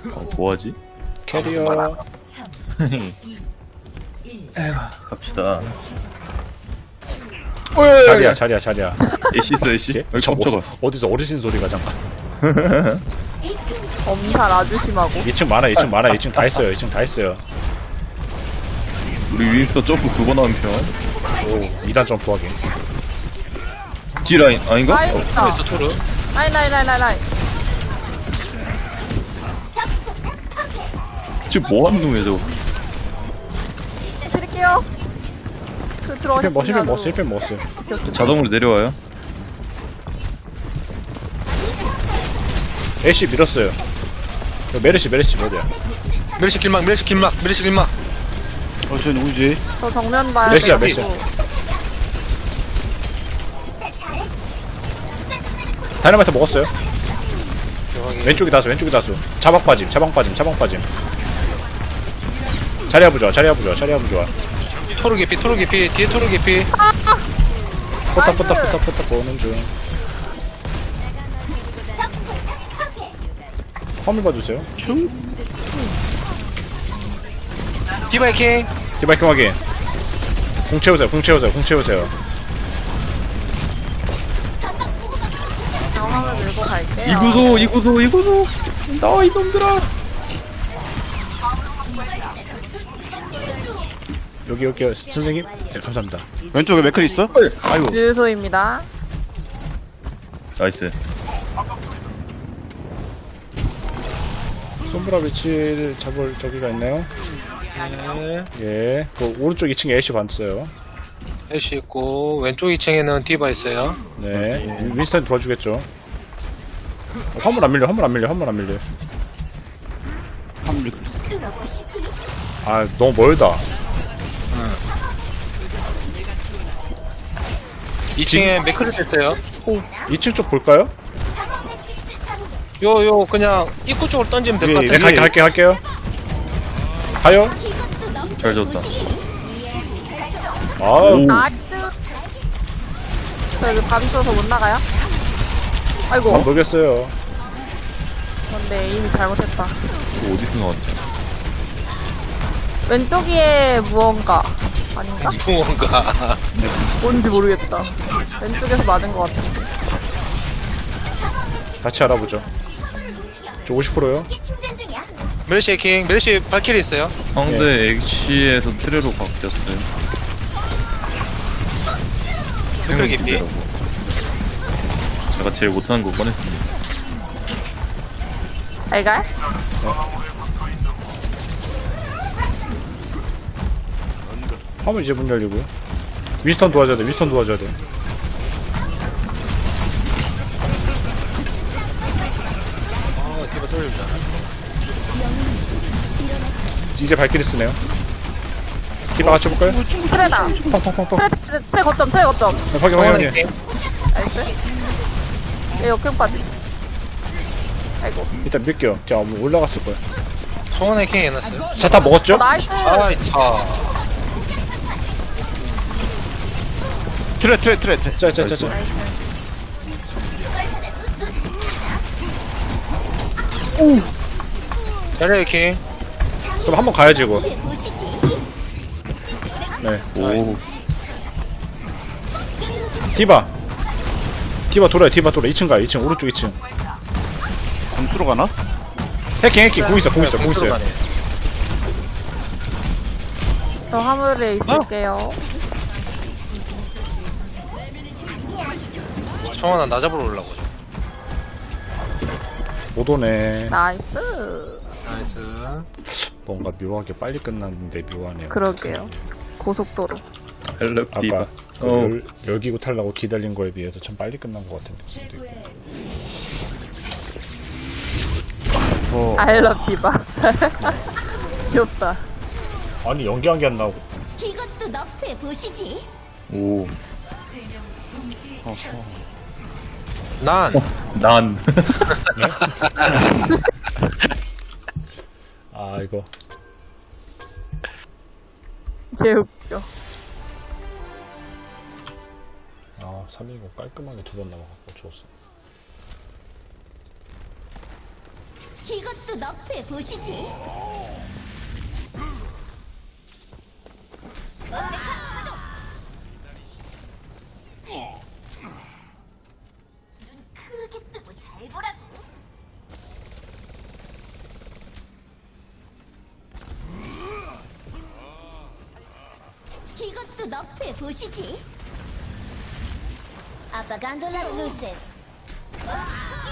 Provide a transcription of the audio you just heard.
뭐하지? 캐리어. 갑시다. 자리야. 애쉬 있어, 애쉬. 여기 깜짝아. 어디서 어르신 소리가 잠깐. 엄살 아주 심하고. 2층 많아, 2층 다 했어요, 2층 다 했어요. 우리 윈스터 점프 2번 하는 편. 오, 2단 점프하기. G라인, 아닌가? 라인 있다. 있어 토르. 라인. 지금 뭐 하는 놈이야, 저거? 드릴게요. 그 들어가시면 1펜 먹었어요. 자동으로 내려와요. 애쉬 밀었어요. 메르시 어디야? 메르시 길막. 쟤 누구지? 저 정면 봐야 몇이야, 돼가지고. 몇이야? 다이너마이트 먹었어요. 왼쪽이 다수. 자방 빠짐. 자리야 부좋아. 토르 개피. 뒤에 토르 개피. 포탑 보는 중. 화물 봐주세요. 디바이킹. 디바이킹 확인. 공 채우세요. 상황을 밀고 갈게요. 이구소. 나와, 이놈들아. 여기 선생님. 네, 감사합니다. 왼쪽에 맥클 있어? 아이고. 유소입니다. 나이스. 솜브라 위치를 잡을 저기가 있나요? 네. 예. 그 오른쪽 2층에 애쉬 봤어요. 애쉬 있고 왼쪽 2층에는 디바 있어요. 네. 윈스턴 도와주겠죠. 화물 안 밀려. 아, 너무 멀다. 2층에 맥크를 뺐어요. 2층 쪽 볼까요? 요 그냥 입구 쪽으로 던지면 될 것 네, 같아요. 갈게요. 가요. 잘 졌다. 아우. 나이스. 저 여기 밥 있어서 못 나가요? 아이고. 안 모르겠어요. 근데 이미 잘못했다. 이거 어디서 나왔지? 왼쪽에 무언가 아닌가? 무언가. 뭔지 모르겠다. 왼쪽에서 맞은 것 같은데. 같이 알아보죠. 저 50%요. 메르시 해킹. 메르시 발키리 있어요. 상대 엑시에서 트레로 바뀌었어요. 맥크리 개피. 생각이라고. 제가 제일 못하는 거 꺼냈습니다. 알갈? 화물 이제 문 열리고요. 윈스턴 도와줘야 돼. 디바 돌립니다. 이제 발길이 쓰네요. 디바 같이 해볼까요? 트레다. 펑펑펑펑. 트레 거점. 확인. 해킹. 나이스. 얘 역행까지. 아이고. 일단 밀게요. 제가 올라갔을 거예요. 송원 해킹 해놨어요. 자, 다 먹었죠? 나이스. 아이스. 트레. 짜. 자리 해킹. 그럼 한번 가야지, 이거. 네. 오. 디바 돌아요. 2층 가요. 2층, 오른쪽 2층. 공수로 가나? 해킹. 공 있어요. 저 화물에 있을게요. 청원아 나 잡으러 올라고. 못 오네. 나이스. 나이스. 뭔가 묘하게 빨리 끝났는데 묘하네요. 그러게요. 고속도로. 헬럽 디바. 아까 열기구 타려고 기다린 거에 비해서 참 빨리 끝난 것 같은 느낌도 있고. 알럽 디바. 귀엽다. 아니, 연기한 게 안 나오고. 이것도 너프해 보시지. 오. 난. 난. 아, 이거. 개웃겨. 아, 319 깔끔하게 2번 남아갖고 좋았어. 이것도 너프해 보시지. 눈 크게 뜨고 잘 보라고. 이것도 너프해 보시지. Apagando las luces.